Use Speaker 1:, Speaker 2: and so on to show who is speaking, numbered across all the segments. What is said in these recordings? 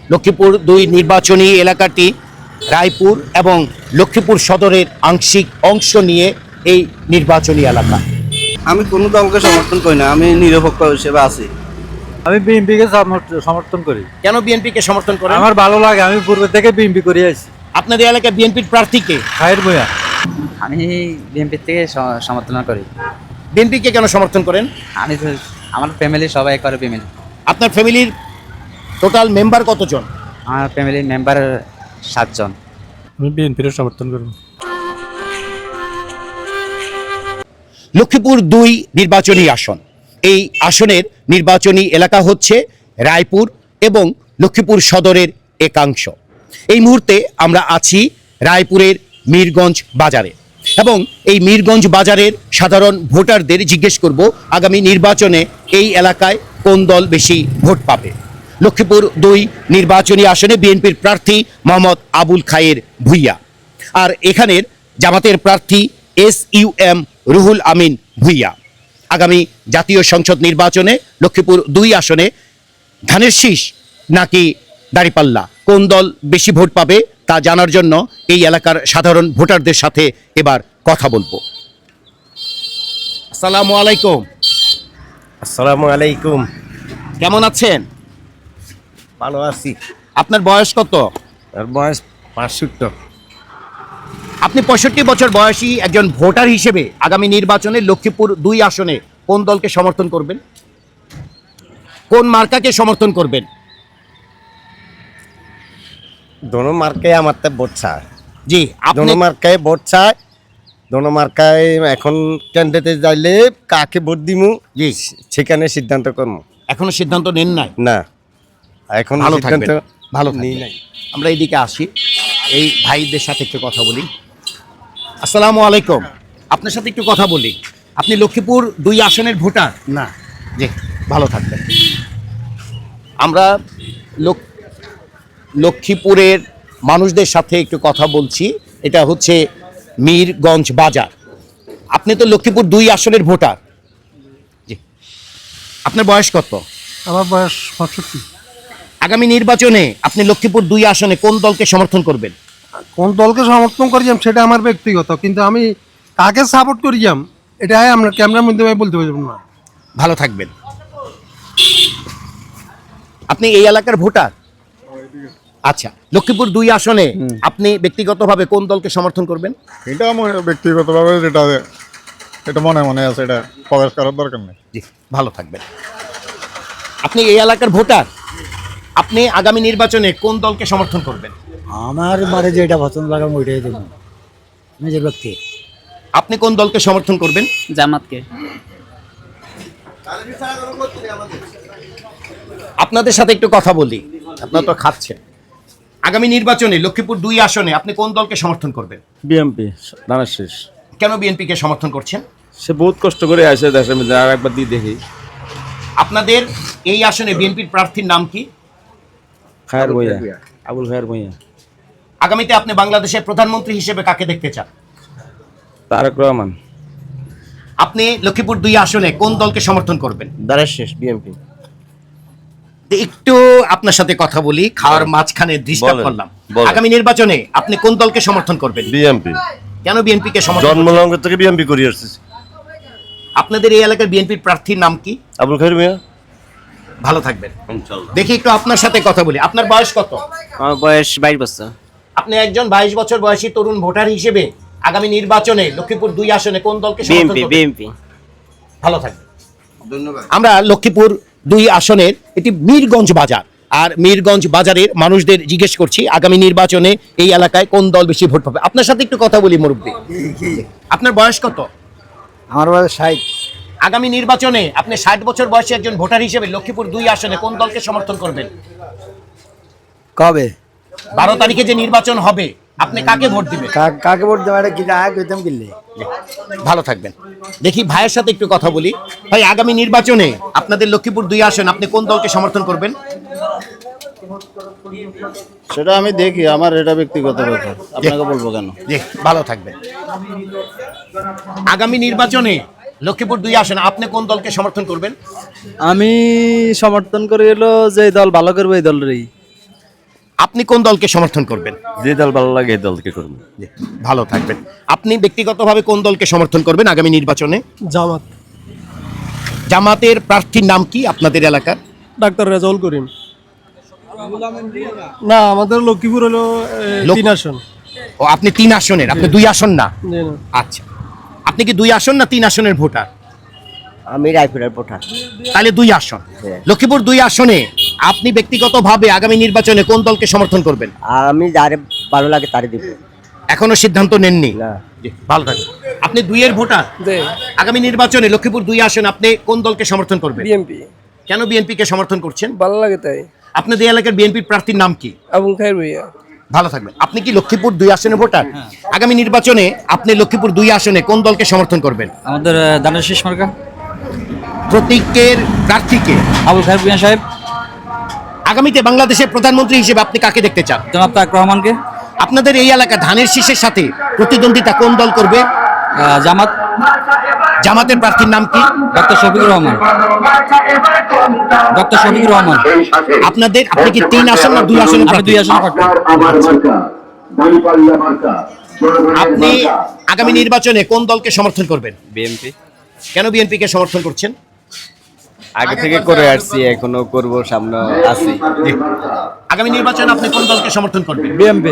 Speaker 1: লক্ষ্মীপুর ২ নির্বাচনী এলাকাটি রায়পুর এবং লক্ষ্মীপুর সদরের আংশিক অংশ নিয়ে এই নির্বাচনী এলাকা।
Speaker 2: আমি কোনো দলকে সমর্থন করি না, আমি নিরপেক্ষ হিসেবে আছি।
Speaker 3: আমি বিএনপিকে সমর্থন করি।
Speaker 1: কেন বিএনপিকে সমর্থন করেন?
Speaker 3: আমার ভালো লাগে, আমি পূর্বে থেকে বিএনপি করে আছি।
Speaker 1: আপনাদের এলাকায় বিএনপির প্রার্থীকে?
Speaker 3: খায়ের ভূঁইয়া।
Speaker 4: আমি বিএনপি থেকে সমর্থন করি।
Speaker 1: বিএনপিকে কেন সমর্থন করেন?
Speaker 4: আমি তো আমার ফ্যামিলি সবাই করে বিএনপি।
Speaker 1: আপনার ফ্যামিলির টোটাল মেম্বার কতজন?
Speaker 4: আমার ফ্যামিলির মেম্বার 7 জন।
Speaker 3: আমি বিএনপির সমর্থন করি।
Speaker 1: লক্ষ্মীপুর ২ নির্বাচনী আসন, এই আসনের নির্বাচনী এলাকা হচ্ছে রায়পুর এবং লক্ষ্মীপুর সদরের একাংশ। এই মুহূর্তে আমরা আছি রায়পুরের মীরগঞ্জ বাজারে এবং এই মীরগঞ্জ বাজারের সাধারণ ভোটারদের জিজ্ঞেস করব আগামী নির্বাচনে এই এলাকায় কোন দল বেশি ভোট পাবে। লক্ষ্মীপুর ২ নির্বাচনী আসনে বিএনপির প্রার্থী মোহাম্মদ আবুল খায়ের ভূঁইয়া, আর এখানের জামাতের প্রার্থী SUM রুহুল আমিন ভূঁইয়া। আগামী জাতীয় সংসদ নির্বাচনে লক্ষ্মীপুর ২ আসনে ধানের শীষ নাকি দাঁড়িপাল্লা, কোন দল বেশি ভোট পাবে তা জানার জন্য এই এলাকার সাধারণ ভোটারদের সাথে এবার কথা বলবো। আসসালামু আলাইকুম।
Speaker 2: আসসালামু আলাইকুম।
Speaker 1: কেমন আছেন?
Speaker 2: ভালো আছি।
Speaker 1: আপনার বয়স কত?
Speaker 2: আর বয়স 65।
Speaker 1: আপনি 65 বছর বয়সী একজন ভোটার হিসেবে আগামী নির্বাচনে লক্ষ্মীপুর ২ আসনে কোন দলকে সমর্থন করবেন? কোন মার্কাকে সমর্থন করবেন?
Speaker 2: দোনো মার্কায় আমার তো ভোট চায়।
Speaker 1: জি, আপনি
Speaker 2: দোনো মার্কায় ভোট চায়। দোনো মার্কায় এখন ক্যান্ডিডেটে যাইলে কাকে ভোট দিমু
Speaker 1: জি
Speaker 2: সেখানে সিদ্ধান্ত করবো।
Speaker 1: এখনো সিদ্ধান্ত নেন নাই?
Speaker 2: না, এখন
Speaker 1: ভালো
Speaker 2: সিদ্ধান্ত
Speaker 1: থাকবেন, ভালো
Speaker 2: নিই
Speaker 1: থাকবেন।
Speaker 2: নাই।
Speaker 1: আমরা এইদিকে আসি, এই ভাইদের সাথে একটু কথা বলি। আসসালামু আলাইকুম। আপনার সাথে একটু কথা বলি। আপনি লক্ষ্মীপুর ২ আসনের ভোটার?
Speaker 2: না,
Speaker 1: জি, ভালো থাকবেন। আমরা লক্ষ্মীপুরের মানুষদের সাথে একটু কথা বলছি। এটা হচ্ছে মীরগঞ্জ বাজার। আপনি তো লক্ষ্মীপুর ২ আসনের ভোটার। জি, আপনার বয়স কত?
Speaker 3: আমার বয়স 65।
Speaker 1: আগামী নির্বাচনে আপনি লক্ষ্মীপুর ২ আসনে কোন দলকে সমর্থন করবেন?
Speaker 5: কোন দলকে সমর্থন করিয়াম সেটা আমার ব্যক্তিগত, কিন্তু আমি কাকে সাপোর্ট করিয়াম এটাই আমরা ক্যামেরার মধ্যে আমি বলতে পারবো না।
Speaker 1: ভালো থাকবেন। আপনি এই এলাকার ভোটার? আচ্ছা, লক্ষ্মীপুর ২ আসনে আপনি ব্যক্তিগতভাবে কোন দলকে সমর্থন করবেন?
Speaker 6: এটা আমার ব্যক্তিগতভাবে এটা মনে মনে আছে, এটা প্রকাশ করার দরকার নেই।
Speaker 1: জি, ভালো থাকবেন। আপনি এই এলাকার ভোটার, আপনি আগামী নির্বাচনে কোন দলকে সমর্থন করবেন?
Speaker 7: আমার মানে যেটা পছন্দ লাগে আমি ওইটাই দেবো, নিজের ব্যক্তি।
Speaker 1: আপনি কোন দলকে সমর্থন করবেন?
Speaker 4: জামাতকে।
Speaker 1: আপনাদের সাথে একটু কথা বলি, আপনারা তো খাচ্ছেন। আগামী নির্বাচনে লক্ষ্মীপুর ২ আসনে আপনি কোন দলকে সমর্থন করবেন?
Speaker 8: বিএমপি ধানের শীষ।
Speaker 1: কেন বিএনপিকে সমর্থন করছেন?
Speaker 8: সে বহুত কষ্ট করে আসে দেশের মধ্যে, আর একবার দিয়ে দেখি।
Speaker 1: আপনাদের এই আসনে বিএনপির প্রার্থীর নাম কি?
Speaker 8: খায়ের ভূঁইয়া, আবুল খায়ের ভূঁইয়া।
Speaker 1: আগামীতে আপনি বাংলাদেশের প্রধানমন্ত্রী হিসেবে কাকে দেখতে চান?
Speaker 8: তারেক রহমান।
Speaker 1: আপনি লক্ষ্মীপুর ২ আসনে কোন দলকে সমর্থন করবেন?
Speaker 2: দাঁড়ার শেষ বিএমপি।
Speaker 1: একটু আপনার সাথে কথা বলি, খাওয়ার মাঝখানে ডিস্টার্ব
Speaker 2: বলেন,
Speaker 1: করলাম।
Speaker 2: বলেন।
Speaker 1: আগামী নির্বাচনে আপনি কোন দলকে সমর্থন করবেন?
Speaker 2: বিএমপি।
Speaker 1: কেন বিএনপিকে সমর্থন করছেন?
Speaker 2: জন্মলগ্ন থেকে বিএমপি করি আসছি।
Speaker 1: আপনাদের এই এলাকার বিএনপির প্রার্থীর নাম কি?
Speaker 2: আবুল খায়ের মিয়া।
Speaker 1: ভালো থাকবেন।
Speaker 2: ইনশাআল্লাহ।
Speaker 1: দেখি একটু আপনার সাথে কথা বলি। আপনার বয়স কত?
Speaker 4: আমার বয়স 22 বছর।
Speaker 1: আপনি একজন 22 বছর বয়সী তরুণ ভোটার হিসেবে আগামী নির্বাচনে লক্ষ্মীপুর ২ আসনে কোন দলকে সমর্থন করবেন?
Speaker 4: বিএনপি।
Speaker 1: ভালো থাকবেন।
Speaker 2: ধন্যবাদ।
Speaker 1: আমরা লক্ষ্মীপুর ২ আসনের এটি মীরগঞ্জ বাজার, আর মীরগঞ্জ বাজারের মানুষদের জিজ্ঞেস করছি আগামী নির্বাচনে এই এলাকায় কোন দল বেশি ভোট পাবে। আপনার সাথে একটু কথা বলি মুরব্বী। আপনার বয়স কত?
Speaker 7: আমার বয়স 60।
Speaker 1: আগামী নির্বাচনে আপনি 60 বছর বয়সী একজন ভোটার হিসেবে লক্ষ্মীপুর ২ আসনে কোন দলকে সমর্থন করবেন?
Speaker 7: কবে
Speaker 1: 12 তারিখে যে নির্বাচন হবে, আপনি কাকে ভোট দিবেন?
Speaker 7: কাকে ভোট দেওয়া কি আয় কইতাম কিনলে।
Speaker 1: ভালো থাকবেন। দেখি ভাইয়ের সাথে একটু কথা বলি। ভাই, আগামী নির্বাচনে আপনাদের লক্ষ্মীপুর ২ আসন আপনি কোন দলকে সমর্থন করবেন?
Speaker 6: সেটা আমি দেখি, আমার এটা ব্যক্তিগত ব্যাপার, আপনাকে বলবো কেন।
Speaker 1: জি, ভালো থাকবেন। আগামী নির্বাচনে লক্ষ্মীপুর ২ আসন আপনি কোন দলকে সমর্থন করবেন?
Speaker 3: আমি সমর্থন করি হলো যে দল ভালো করবে এই দলেরই।
Speaker 1: আপনি কোন দলকে সমর্থন করবেন?
Speaker 8: যে দল ভালো লাগে এই দলকে করবো।
Speaker 1: জি, ভালো থাকবেন। আপনি ব্যক্তিগতভাবে কোন দলকে সমর্থন করবেন আগামী নির্বাচনে?
Speaker 5: জামাত,
Speaker 1: জামাতের প্রার্থীর নাম কি আপনাদের এলাকার?
Speaker 5: ডাক্তার রেজাউল করিম। না, আমাদের লক্ষ্মীপুর হলো
Speaker 1: লোক-
Speaker 5: 3 আসন।
Speaker 1: ও, আপনি 3 আসনের, আপনি 2 আসন না?
Speaker 5: জি না।
Speaker 1: আচ্ছা, আপনি কি 2 আসন না 3 আসনের ভোটার?
Speaker 2: আমি রায়পুরের ভোটার।
Speaker 1: তাহলে 2 আসন। লক্ষ্মীপুর 2 আসনে আপনি ব্যক্তিগতভাবে আগামী নির্বাচনে কোন দলকে সমর্থন করবেন?
Speaker 2: আমি যারে ভালো লাগে তারে দিব।
Speaker 1: এখনো সিদ্ধান্ত নেননি?
Speaker 2: না।
Speaker 1: জি, ভালো থাকবেন। আপনি 2 এর ভোটার। আগামী নির্বাচনে লক্ষ্মীপুর 2 আসনে আপনি কোন দলকে সমর্থন করবেন?
Speaker 5: বিএমপি।
Speaker 1: কেন বিএনপি কে সমর্থন করছেন?
Speaker 5: ভালো লাগে তাই।
Speaker 1: আপনাদের এলাকার বিএনপির প্রার্থীর নাম কি?
Speaker 5: আবুল খায়ের ভুইয়া।
Speaker 1: ভালো থাকবেন। আপনি কি লক্ষ্মীপুর 2 আসনের ভোটার? আগামী নির্বাচনে আপনি লক্ষ্মীপুর 2 আসনে কোন দলকে সমর্থন করবেন?
Speaker 3: আমাদের দানের শেষ মার্কা
Speaker 1: প্রতীকের প্রার্থীকে।
Speaker 3: আবুল খায়ের ভুইয়া সাহেব,
Speaker 1: আগামীতে বাংলাদেশের প্রধানমন্ত্রী হিসেবে আপনি কাকে দেখতে চান?
Speaker 3: জনাব তারেক রহমানকে।
Speaker 1: আপনাদের এই এলাকা ধানের শীষের সাথে প্রতিদ্বন্দ্বিতা কোন দল করবে?
Speaker 3: জামাত,
Speaker 1: জামাতের প্রার্থীর নাম কি?
Speaker 3: ডক্টর শফিকুর রহমান। ডক্টর শফিকুর রহমান।
Speaker 1: আপনি কি 3 আসন না 2 আসনে?
Speaker 3: আমি 2 আসনে প্রার্থী।
Speaker 1: আপনি আগামী নির্বাচনে কোন দলকে সমর্থন করবেন?
Speaker 8: বিএনপি
Speaker 1: কেন বিএনপি কে সমর্থন করছেন?
Speaker 8: আগে থেকে করে আসছি, এখনো করব, সামনে আছি।
Speaker 1: আগামী নির্বাচনে আপনি কোন দলকে সমর্থন করবেন?
Speaker 3: বিএমপি।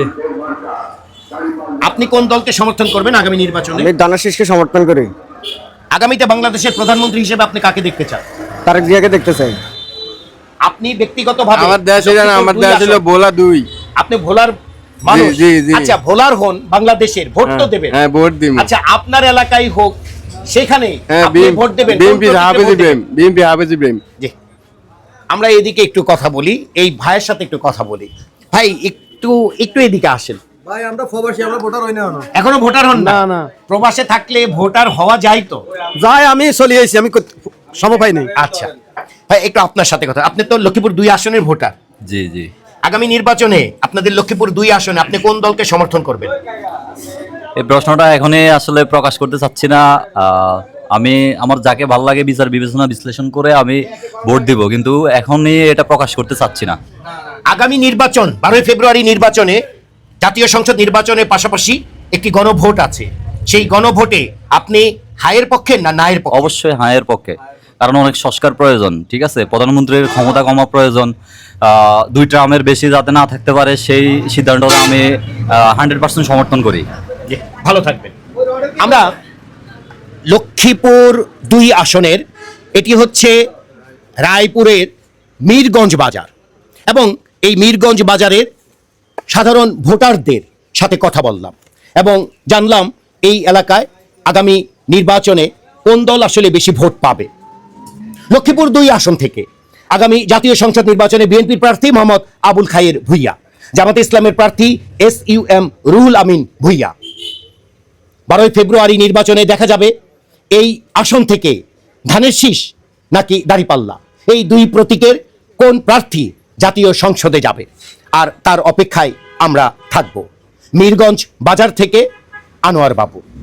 Speaker 1: আপনি কোন দলকে সমর্থন করবেন আগামী নির্বাচনে?
Speaker 2: আমি দানাশিসকে সমর্থন করি।
Speaker 1: আগামীতে বাংলাদেশের প্রধানমন্ত্রী হিসেবে আপনি কাকে দেখতে চান?
Speaker 2: তারেক জিয়াকে দেখতে চাই।
Speaker 1: আপনি ব্যক্তিগতভাবে
Speaker 8: আমার দেশ হলো না, আমার দেশ হলো ভোলা 2।
Speaker 1: আপনি ভোলার মানুষ?
Speaker 8: জি, জি।
Speaker 1: আচ্ছা, ভোলার হন, বাংলাদেশের ভোট তো দেবেন।
Speaker 8: হ্যাঁ, ভোট দিব।
Speaker 1: আচ্ছা, আপনার এলাকায় হোক, সেখানে
Speaker 8: হ্যাঁ,
Speaker 1: আপনি ভোট দেবেন।
Speaker 8: বিএনপি
Speaker 1: কোন প্রতীকে
Speaker 8: হাফেজ
Speaker 1: ভোট দেবেন?
Speaker 8: ইব্রাহিম, বিএনপি হাফেজ ইব্রাহিম।
Speaker 1: জি, আমরা এদিকে একটু কথা বলি, এই ভাইয়ের সাথে একটু কথা বলি। ভাই, একটু এদিকে আসেন।
Speaker 5: ভাই আমরা প্রবাসী, আমরা ভোটার হই না
Speaker 1: এখনো ভোটার হন না?
Speaker 5: না।
Speaker 1: প্রবাসে থাকলে ভোটার হওয়া যায় তো?
Speaker 5: যাই, আমি চলে আইছি, আমি সময় পাই নাই।
Speaker 1: আচ্ছা ভাই, একটু আপনার সাথে কথা। আপনি তো লক্ষ্মীপুর 2 আসনের ভোটার।
Speaker 3: জি জি।
Speaker 1: আগামী নির্বাচনে আপনাদের লক্ষ্মীপুর 2 আসনে আপনি কোন দলকে সমর্থন করবেন?
Speaker 3: এই প্রশ্নটা এখনই আসলে প্রকাশ করতে চাচ্ছি না। আমি আমার যাকে ভালো লাগে বিচার বিবেচনা বিশ্লেষণ করে আমি ভোট দিব, কিন্তু এখনই এটা প্রকাশ করতে চাচ্ছি না।
Speaker 1: আগামী নির্বাচন 12 ফেব্রুয়ারি নির্বাচনে, জাতীয় সংসদ নির্বাচনের পাশাপাশি একটি গণভোট আছে। সেই গণভোটে আপনি হায়ের পক্ষে না নায়ের পক্ষে?
Speaker 3: অবশ্যই হায়ের পক্ষে, কারণ অনেক সংস্কার প্রয়োজন। ঠিক আছে, প্রধানমন্ত্রীর ক্ষমতা কমা প্রয়োজন। 2 টার্মের বেশি যাতে না থাকতে পারে, সেই সিদ্ধান্তটা আমি 100% সমর্থন করি।
Speaker 1: জি, ভালো থাকবেন। আমরা লক্ষ্মীপুর 2 আসনের, এটি হচ্ছে রায়পুরের মীরগঞ্জ বাজার, এবং এই মীরগঞ্জ বাজারের সাধারণ ভোটারদের সাথে কথা বললাম এবং জানলাম এই এলাকায় আগামী নির্বাচনে কোন দল আসলে বেশি ভোট পাবে। লক্ষ্মীপুর 2 আসন থেকে আগামী জাতীয় সংসদ নির্বাচনে বিএনপির প্রার্থী মোহাম্মদ আবুল খায়ের ভুইয়া, জামাতে ইসলামের প্রার্থী SUM রুহুল আমিন ভুইয়া। 12 ফেব্রুয়ারি নির্বাচনে দেখা যাবে এই আসন থেকে ধানের শীষ নাকি দাঁড়িপাল্লা, এই 2 প্রতীকের কোন প্রার্থী জাতীয় সংসদে যাবে, আর তার অপেক্ষায় আমরা থাকব। মীরগঞ্জ বাজার থেকে আনোয়ার বাবু।